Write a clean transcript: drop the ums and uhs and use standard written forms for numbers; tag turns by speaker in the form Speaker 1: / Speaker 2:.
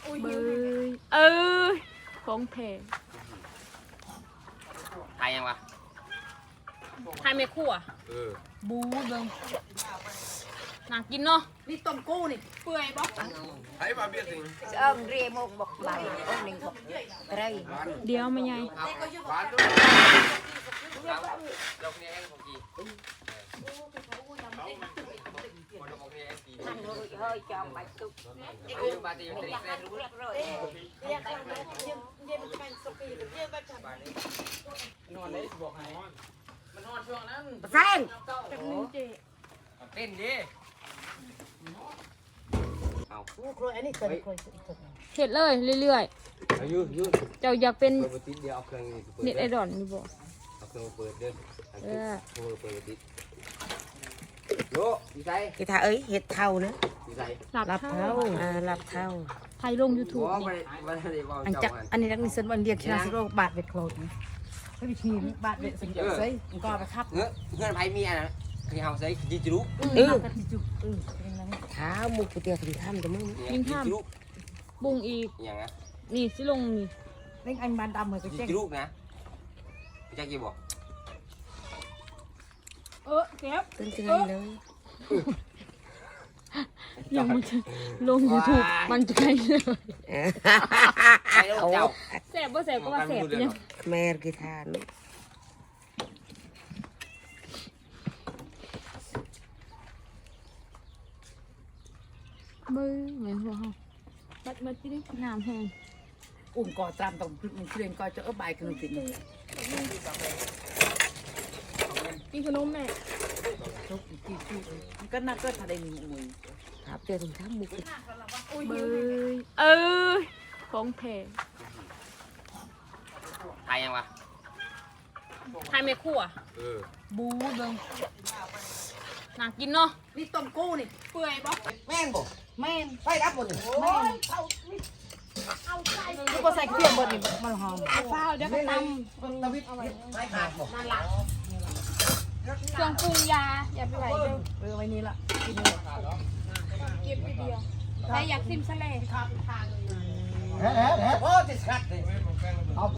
Speaker 1: เบยของแพง
Speaker 2: ไทยยังวะ
Speaker 1: ไทยไม่คั่วบูเบิ่งน่ากินเนาะนี่ต้มกู้นี่เปื่อยบ่
Speaker 2: ไทยมาเบี้ยสิง
Speaker 3: เรียมบอกไหลองหนึ่งบอกไร
Speaker 1: เดี๋ยวมาใหญ่
Speaker 2: หวานด้วยเราเนี่ยเองของกี
Speaker 3: ท่านเฮ้ยจอมใบตุก
Speaker 2: ปาร์ตี้มันจะได้รู้นอนได้บอกให้มันนอนช่วงนั้น
Speaker 3: แซง
Speaker 2: เต้นดิเอา
Speaker 3: กูครัวอันนี้เคย
Speaker 1: เฮ็ดเลยเรื่อย
Speaker 2: อายุยืด
Speaker 1: ๆเจ้าอยากเป็น
Speaker 2: เปิดติดเดียวเอาเครื่องนี้เปิด
Speaker 1: เน็ตไอดอลนี่บ่
Speaker 2: เอาเครื่องเปิดเด้อเปิดติดโยดีใจ
Speaker 3: กีตาเอ้ยเห็ดเท่านะ
Speaker 2: ดีใจ
Speaker 3: หลับเท่าหลับเท่า
Speaker 1: ไทยลง YouTube
Speaker 2: ว่า
Speaker 1: นี่
Speaker 2: ไม่ได้ว่า
Speaker 3: อันจักอันนี้นักนิสิตวันเรียนชนะสิโรบาทเบ็ดโคลนไม่มีทีมบาทเบ็ดสังเกตใส่ก็ไปทับ
Speaker 2: เงื่อนไพ่มีอ่ะนะที่เฮาใส่ยิงจุก
Speaker 3: กันจุกเท้ามุกกูเตียถึงถ้ำแต่มึง
Speaker 2: จุก
Speaker 1: บุ้งอีก
Speaker 2: อย่างนะ
Speaker 1: นี่สิลงนี่
Speaker 3: เล่นอันบานดำเหมือนกับ
Speaker 2: ยิ
Speaker 3: เจ๊
Speaker 2: งจุกนะพี่แจ็คกี่บอก
Speaker 1: เก็บ
Speaker 3: ตึ้งๆเลย
Speaker 1: ยังมันจะลง YouTube มันจะไงเลย
Speaker 2: ใช่แล้วเจ้า
Speaker 1: แสบบ่แสบก็ว่าแสบยัง
Speaker 3: แม่กีตาร์
Speaker 1: เบยเหมือนหัวเฮาบัดที่นี่น้ำแห้ง
Speaker 3: อุ้มก่อตามต้องมันเรียนก่อจะเอาใบกันติด
Speaker 1: กินขนมแม่
Speaker 3: ทุกที่ก็น่าก็ทำได้มีมวยครับเตียถึงถ้ำมุก
Speaker 1: เบยของแพง
Speaker 2: ไทยยังวะ
Speaker 1: ไทยไม่คั่วบูเบิ่งน่ากินเนาะนี่ต้มกู้นี่เปื่อยบ่
Speaker 2: แม่นบ่
Speaker 3: แม่น
Speaker 2: ไปรับบ่นี่
Speaker 3: แม่นลูกก็ใส่เครื่องบดนี่มันหอม
Speaker 1: ข้าวเดี๋ยวก็ต
Speaker 2: ตะวิทไปขาดบ่
Speaker 1: ำเครื่องปรุงยาอย่าไปไหลเด้อ
Speaker 3: เออไว้นี่ละ
Speaker 1: เก็บไปเดียวใครอยากซิมซะเลย
Speaker 2: โอ้ติดขัดเลย